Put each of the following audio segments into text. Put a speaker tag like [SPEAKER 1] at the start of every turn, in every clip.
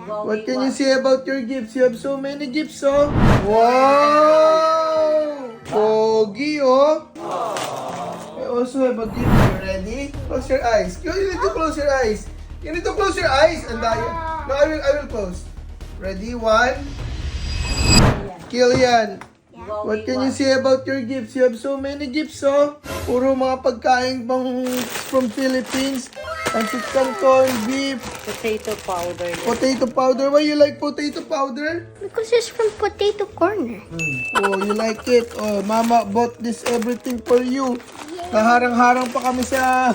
[SPEAKER 1] What can you say about your gifts? You have so many gifts, oh. Wow! Pogi, oh. I also have a gift. You ready? Close your eyes. You need to close your eyes. You need to close your eyes. And no, I will close. Ready? 1. Killian. What can you say about your gifts? You have so many gifts, oh. Puro mga pagkain from Philippines. Pancit canton, beef,
[SPEAKER 2] Potato powder.
[SPEAKER 1] potato powder. Why you like potato powder?
[SPEAKER 3] Because it's from Potato Corner.
[SPEAKER 1] Oh, you like it. Oh, Mama bought this everything for you. Naharang-harang pa kami sa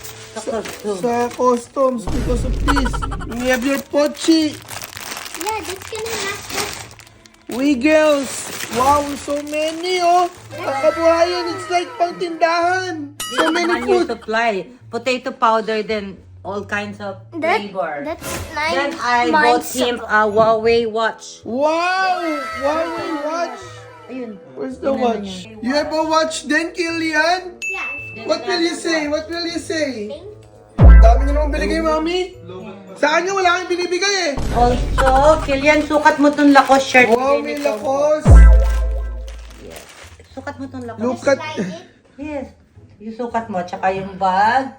[SPEAKER 1] customs because of this. We have your pochi.
[SPEAKER 3] Yeah, that's gonna last us.
[SPEAKER 1] Wiggles. Wow, so many, oh. Ang kabuhayan, it's like pang tindahan. So many
[SPEAKER 2] Your
[SPEAKER 1] food.
[SPEAKER 2] supply. Potato powder, then all kinds of flavor.
[SPEAKER 3] That's nice.
[SPEAKER 2] Then I bought him a Huawei watch.
[SPEAKER 1] Wow! Huawei watch.
[SPEAKER 2] Ayun.
[SPEAKER 1] Where's the watch? You have a watch then, Killian?
[SPEAKER 3] Yeah.
[SPEAKER 1] What will you say? What will you say? Dami niyo naman binigay, Mami. Sa kanya, wala kang binibigay eh.
[SPEAKER 2] Also, Kilian, sukat mo tong Lacoste shirt.
[SPEAKER 1] Wow, may
[SPEAKER 2] Hindi nito.
[SPEAKER 1] Lacoste.
[SPEAKER 2] Yes. Sukat mo tong Lacoste.
[SPEAKER 1] Look at...
[SPEAKER 2] Yes. Yung sukat mo, tsaka yung bag.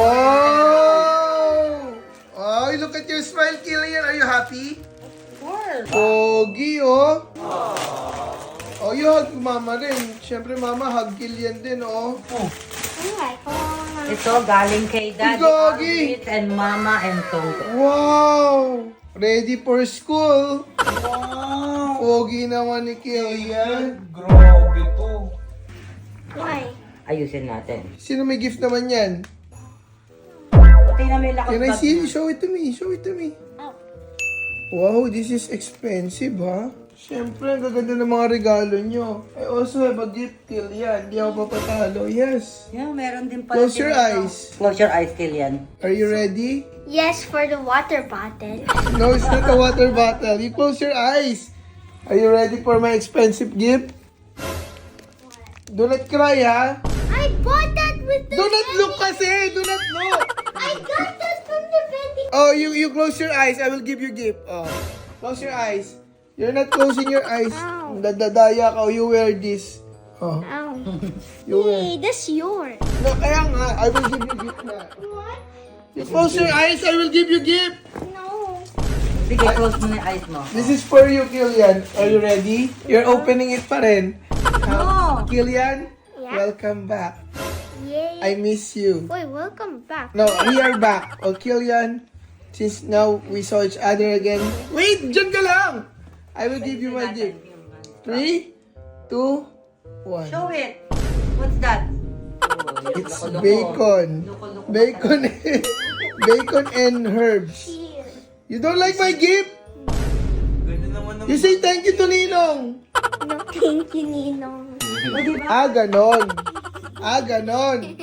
[SPEAKER 1] Wow! Oh, look at your smile, Killian. Are you happy?
[SPEAKER 2] Of course.
[SPEAKER 1] Pogi, oh. Oh, you hug Mama rin. Siyempre, Mama, hug Killian din, oh.
[SPEAKER 3] Alright.
[SPEAKER 2] Ito, galing kay Daddy
[SPEAKER 1] Gogi.
[SPEAKER 2] Arvid and Mama and Tongo.
[SPEAKER 1] Wow! Ready for school.
[SPEAKER 2] Wow!
[SPEAKER 1] Pogi naman ni Killian.
[SPEAKER 4] Grabe to.
[SPEAKER 3] Why?
[SPEAKER 2] Ayusin natin.
[SPEAKER 1] Sino may gift naman yan?
[SPEAKER 2] Pati na may Lacoste
[SPEAKER 1] Can I
[SPEAKER 2] bag
[SPEAKER 1] see?
[SPEAKER 2] na.
[SPEAKER 1] Show it to me. Show it to me.
[SPEAKER 3] Oh.
[SPEAKER 1] Wow, this is expensive, ha? Siyempre, ang gaganda ng mga regalo nyo. I also have a gift, Killian. Hindi ako papatalo. Yes.
[SPEAKER 2] Yeah, meron din pala.
[SPEAKER 1] Close your
[SPEAKER 2] dito.
[SPEAKER 1] eyes.
[SPEAKER 2] Close your eyes, Kilian.
[SPEAKER 1] Are you ready?
[SPEAKER 3] Yes, for the water bottle.
[SPEAKER 1] No, it's not a water bottle. You close your eyes. Are you ready for my expensive gift? Do not cry, ha?
[SPEAKER 3] I bought that with the
[SPEAKER 1] Do not look kasi! Do not look!
[SPEAKER 3] I got that from the vending.
[SPEAKER 1] Oh, you close your eyes. I will give you gift. Oh. Close your eyes. You're not closing your eyes.
[SPEAKER 3] Ow.
[SPEAKER 1] Dadadaya ka. Oh, you wear this. Oh,
[SPEAKER 3] Ow.
[SPEAKER 1] you wear.
[SPEAKER 3] Hey, that's yours.
[SPEAKER 1] No, kaya nga. I will give you gift na.
[SPEAKER 3] What?
[SPEAKER 1] You close your eyes. I will give you gift.
[SPEAKER 3] No.
[SPEAKER 2] Sige, close mo na yung eyes mo.
[SPEAKER 1] This is for you, Killian. Are you ready? You're opening it pa rin.
[SPEAKER 2] No!
[SPEAKER 1] Killian,
[SPEAKER 3] Yeah?
[SPEAKER 1] welcome back.
[SPEAKER 3] Yay.
[SPEAKER 1] I miss you.
[SPEAKER 3] Wait, welcome back.
[SPEAKER 1] No, we are back. Oh, Killian, since now we saw each other again. Wait, dyan ka lang. I will give you my gift. 3, 2, 1.
[SPEAKER 2] Show it! What's that?
[SPEAKER 1] It's bacon. Bacon. Bacon and herbs.
[SPEAKER 3] Cheers.
[SPEAKER 1] You don't like my gift?
[SPEAKER 4] Ganyan naman
[SPEAKER 1] You say thank you to Ninong.
[SPEAKER 3] No, thank you, Ninong.
[SPEAKER 1] Ah, ganon. Ah, ganon.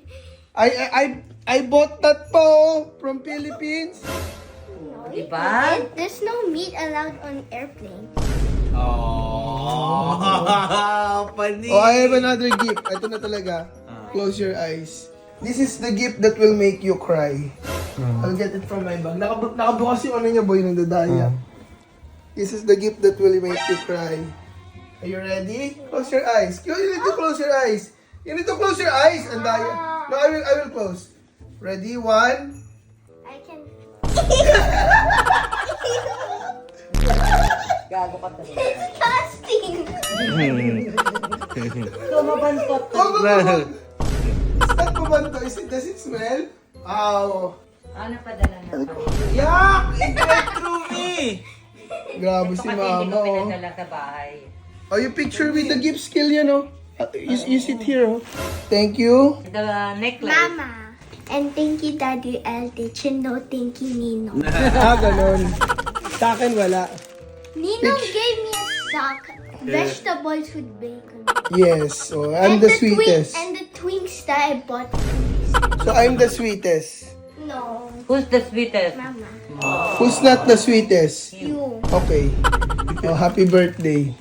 [SPEAKER 1] I bought that po from Philippines.
[SPEAKER 2] Diba?
[SPEAKER 3] There's no meat allowed on airplanes.
[SPEAKER 4] Oh, pani.
[SPEAKER 1] Oh, I have another gift. Ito na talaga. Close your eyes. This is the gift that will make you cry. I'll get it from my bag. Nakabukas yung ano niya, boy, ng dadaya. This is the gift that will make you cry. Are you ready? Close your eyes. You need to close your eyes. You need to close your eyes. And no, I will close. Ready? 1.
[SPEAKER 3] I can.
[SPEAKER 2] Gago ka talaga.
[SPEAKER 3] Disgusting.
[SPEAKER 2] So, mabantot to.
[SPEAKER 1] Oh, is that kumanto? Does it smell? Ow.
[SPEAKER 2] Ano padala na to?
[SPEAKER 4] Yak! It went through me!
[SPEAKER 1] Grabe
[SPEAKER 2] Ito
[SPEAKER 1] si
[SPEAKER 2] kasi hindi
[SPEAKER 1] mama,
[SPEAKER 2] ko
[SPEAKER 1] oh.
[SPEAKER 2] pinadala sa bahay.
[SPEAKER 1] Oh, you picture with the gift skill, you know? You sit here, oh. Thank you.
[SPEAKER 2] The necklace.
[SPEAKER 3] Mama. And thank you, Daddy Eldritch. And no, thank you, Ninong.
[SPEAKER 1] Ah, ganon. Sa akin, wala.
[SPEAKER 3] Ninong gave me a sock. Vegetables with bacon.
[SPEAKER 1] Yes, so I'm the sweetest.
[SPEAKER 3] And the Twinks that I bought.
[SPEAKER 1] So I'm the sweetest.
[SPEAKER 3] No,
[SPEAKER 2] Who's the sweetest?
[SPEAKER 3] Mama.
[SPEAKER 1] Who's not the sweetest?
[SPEAKER 3] You.
[SPEAKER 1] Okay. Oh, happy birthday.